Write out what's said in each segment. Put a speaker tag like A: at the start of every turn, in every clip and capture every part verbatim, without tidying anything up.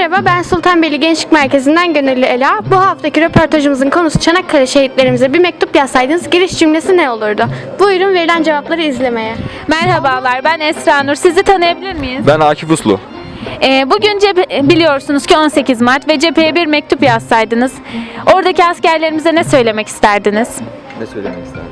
A: Merhaba, ben Sultanbeyli Gençlik Merkezi'nden Gönüllü Ela. Bu haftaki röportajımızın konusu Çanakkale şehitlerimize bir mektup yazsaydınız giriş cümlesi ne olurdu? Buyurun verilen cevapları izlemeye.
B: Merhabalar, ben Esra Nur. Sizi tanıyabilir miyiz?
C: Ben Akif Uslu.
B: Ee, bugün cephe, biliyorsunuz ki on sekiz Mart ve cepheye bir mektup yazsaydınız. Oradaki askerlerimize ne söylemek isterdiniz?
C: Ne söylemek isterdik?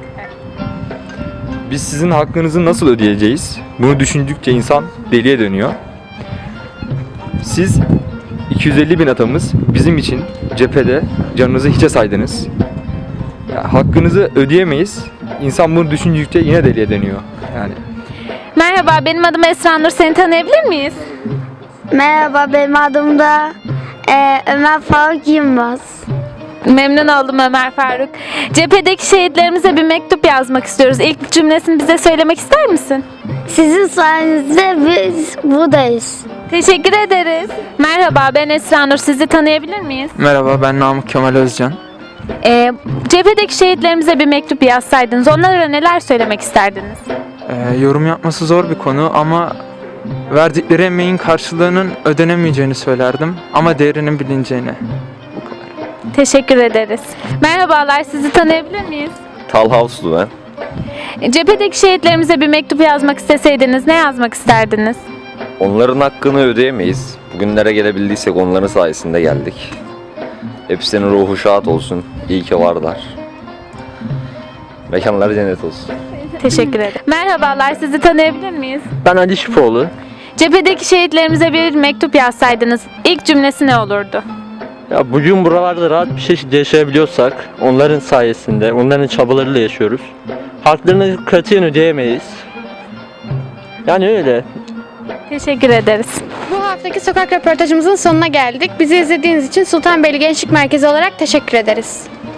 C: Biz sizin hakkınızı nasıl ödeyeceğiz? Bunu düşündükçe insan deliye dönüyor. Siz iki yüz elli bin atamız bizim için cephede canınızı hiçe saydınız. Ya, hakkınızı ödeyemeyiz. İnsan bunu düşündükçe yine deliye dönüyor. Yani.
B: Merhaba, benim adım Esra Nur. Seni tanıyabilir miyiz?
D: Merhaba, benim adım da e, Ömer Faruk Yılmaz.
B: Memnun oldum Ömer Faruk. Cephedeki şehitlerimize bir mektup yazmak istiyoruz. İlk cümlesini bize söylemek ister misin?
D: Sizin sayenizde biz buradayız.
B: Teşekkür ederiz. Merhaba, ben Esra Nur. Sizi tanıyabilir miyiz?
E: Merhaba, ben Namık Kemal Özcan.
B: Ee, cephedeki şehitlerimize bir mektup yazsaydınız onlara neler söylemek isterdiniz?
E: Ee, yorum yapması zor bir konu ama verdikleri emeğin karşılığının ödenemeyeceğini söylerdim ama değerinin bilineceğini. Bu kadar.
B: Teşekkür ederiz. Merhabalar, sizi tanıyabilir miyiz?
F: Talha Uslu ben.
B: Cephedeki şehitlerimize bir mektup yazmak isteseydiniz ne yazmak isterdiniz?
F: Onların hakkını ödeyemeyiz. Bugünlere gelebildiysek onların sayesinde geldik. Hepsinin ruhu şad olsun. İyi ki varlar. Mekanları cennet olsun.
B: Teşekkür ederim. Merhabalar, sizi tanıyabilir miyiz?
G: Ben Ali Şipoğlu.
B: Cephedeki şehitlerimize bir mektup yazsaydınız ilk cümlesi ne olurdu?
G: Ya bugün buralarda rahat bir şekilde yaşayabiliyorsak onların sayesinde, onların çabalarıyla yaşıyoruz. Haklarını katiyen ödeyemeyiz. Yani öyle.
B: Teşekkür ederiz.
A: Bu haftaki sokak röportajımızın sonuna geldik. Bizi izlediğiniz için Sultanbeyli Gençlik Merkezi olarak teşekkür ederiz.